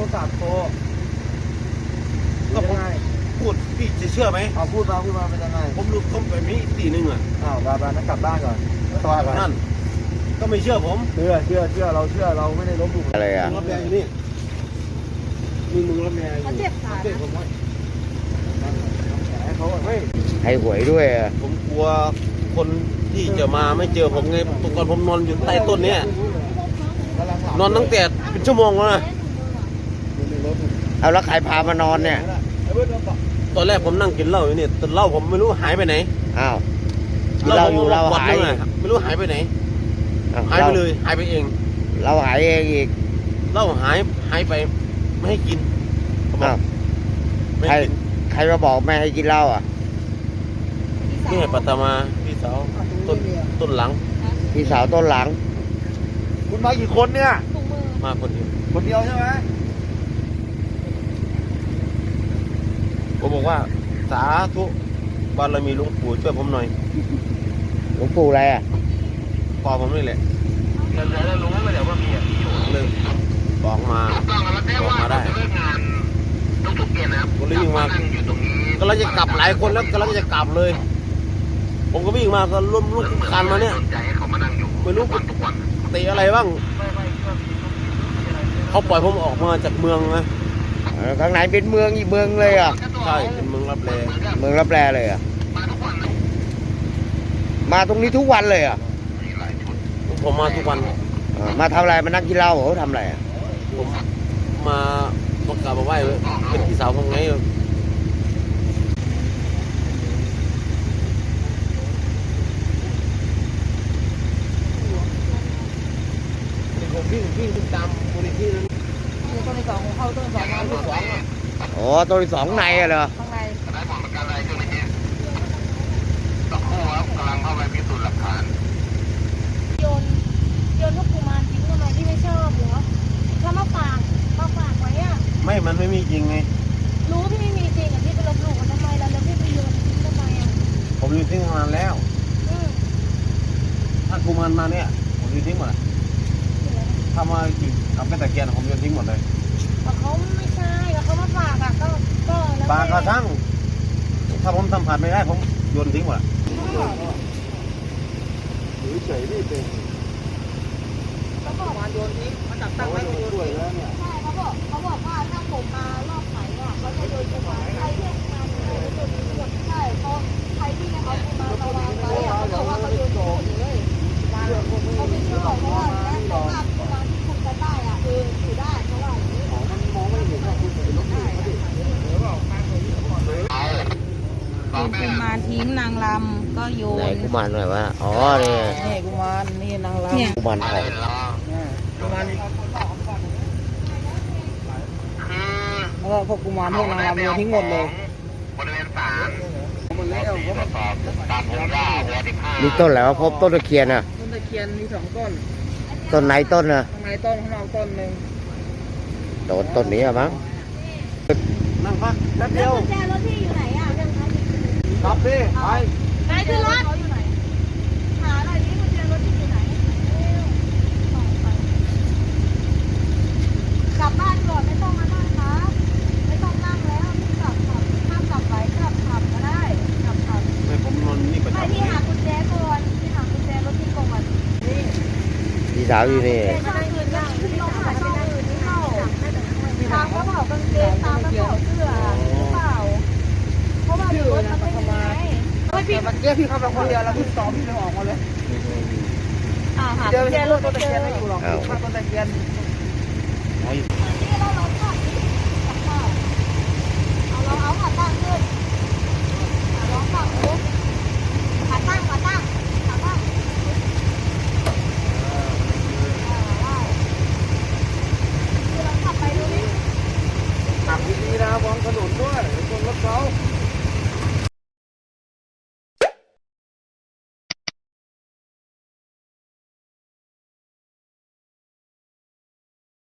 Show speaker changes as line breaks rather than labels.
ศัพท์โทร
ก็ผมพูดพี่จะเชื่อไหม
พูดมาเป็นยังไง
ผมรู้เขาไปมีตีหนึ่งอ่ะ
บ้านนั้นกลับบ้านก่อนตัวก่อน
นั่นก็ไม่เชื่อผม
เชื่อเราไม่ได้ลบหลู่
อะไรอ่ะ
รับแรงอยู่นี่มีมึงรับแรง
เขาเจ็บขา
ผมว่า
เขาไม่
ให้หวยด้วยอ่ะ
ผมกลัวคนที่จะมาไม่เจอผมไงตอนผมนอนอยู่ใต้ต้นเนี้ยนอนตั้งแต่เป็นชั่วโมงแล้วนะ
เอาแล้วใครพามานอนเนี่ย
ตอนแรกผมนั่งกินเหล้าอยู่นี่แต่เหล้าผมไม่รู้หายไปไหน
อ้าวเราอยู่เราหาย
ไม่รู้หายไปไหนหายไปเลยหายไปเอง
เราหายเองอีก
เหล้าหายไปไม่ให้กิน
อ้าวใครมาบอกไม่ให้กินเหล้าอ่ะ
นี่ไงปัตมาพี่สาวต้นหลัง
พี่สาวต้นหลัง
คุณมากี่คนเนี่ย
มาคนเดียว
ใช่ไหม
ผมบอกว่าสาธุบารมีหลวงปู่ช่วยผมหน่อย
หลวงปู่อะไรอ่ะ
พอผมนี่แหละแล้วรู้ไหมเดี๋ยวว่ามีเลยบอกมาได้ทุกเย็นนะครับผมเลยวิ่งมาก็เราจะกลับหลายคนแล้วก็เราจะกลับเลยผมก็วิ่งมาก็ร่วมลูกคันมาเนี่ยไม่รู้เตะอะไรบ้างเขาปล่อยผมออกมาจากเมืองนะ
ข้างไหนเป็นเมืองอีกเมืองเลยอ่ะ
ใช่เป็นเมืองรับแล
เลยอ่ะมาตรงนี้ทุกวันเลยอ่ะ
ผมมาทุกวัน
มาทำอะไรมานั่งกินเหล้าเหรอทำอะไรอ่ะ
ผมมาประกาศมาไหว้เป็นพี่สาวผมไงผมวิ่งตามมูลนิธินั้น
ต้นที่สองของเขาต้นที่สองมาต้นที่สอง
อ๋อต้นที่สองในเหรอ
ข้างใน
กำลังเข้าไปพิสูจน์หลักฐาน
โยนลูกกุมารทิ้งทำไมที่ไม่ชอบเหรอแล้วมาฝากไว้อ่ะ
ไม่มันไม่มีจริงไง
รู้พี่ไม่มีจริงอ่ะพี่ไปลบหลู่มันทำไมแล้วพี่ไปโยนทิ้งทำไมอ่ะ
ผมโยนทิ้งมานานแล้วถ้ากุมารมาเนี่ยผมโยนทิ้งหมดถ้ามาจริงทำเป็นตะเกียนผมโยนทิ้งหมดเลย
แต่เขาไม่ใช่แล้วเขามาฝากอ่ะก็
ฝากกระทั่งถ้าผมสัมผัสไม่ได้ผมโยนทิ้งหมด
เฉยนี่เป็น
เขาบอกว่าโยนทิ้งมาจับตั้งไว้โยนทิ้งใช่เขาบอกว่าถ้าผมมารอบไหนอ่ะเขาจะโยนทิ้งใครที่มาโยนทิ้งหมดใช่เพราะใครที่เขามาวางไว้อ่ะเขาบอกว่าเขาโยนทิ้งหมดเลยเขาไม่เชื่อเพราะว่าแต่ภาพที่มาที่คุณจะได้อ่ะอยู่ได้เพราะว่า
มันมองไม่เห็นว่าคุณเป็นลูกหนี้
เป็นมาทิ้งนางลำก็โยน
ไหนกุมารหน่อยวะอ๋อนี่
กุมารนี่นางลำ
กุมารทอง
กุมารแล้วก็พวกกุมารพวกนางลำโยนทิ้งหมดเลย
บริเวณศาล
มันแล้วเขาต
ามผมว่า
มีต้นอะไรวะพบต้นตะเคียนอ่ะ
ต้นตะเคียนมี2ต้น
ต้นไหนต้นอ่ะ
ข้างในต้นข้างนอกต้นหนึ่ง
โดนต้นนี้อ่ะมั้ง
นั่งพักแป๊บเดียว
กุญแจรถพี่อยู่ไหนอ่ะ
ครับพี่
ไปขึ้นรถหาหน่อยนี่กุญแจรถพี่อยู่ไหนกลับบ้านก่อนไม่ต้องมานั่งนะไม่ต้องนั่งแล้วพี่กลับห้ามกลับไปกลับขับก็ได้กลับ
ไม่ผมนอนนี่ประจำ
พี่หากุญแจก่อนพี่หากุญแจรถพี่ก่อน
พี่สาวอยู่นี่
ตามกระเป๋ากางเกงตามกระเป๋าเสื้อหรือเปล่าเพราะว่าอยู่รถมันไม่มี
พี่เมื่อกี้พี่เข้าไปคนเดียวแล้วพี่ต่อพี่เลยออกมาเลย
เดี๋ยว
รถต้นตะเคียนไม่อยู่หรอกข้าต้นตะเคียน
เอาขาตั้งขึ้นลองฝั่งนู้นขาตั้ง
ขับดีๆนะวางถนนด้วยคนรถเขา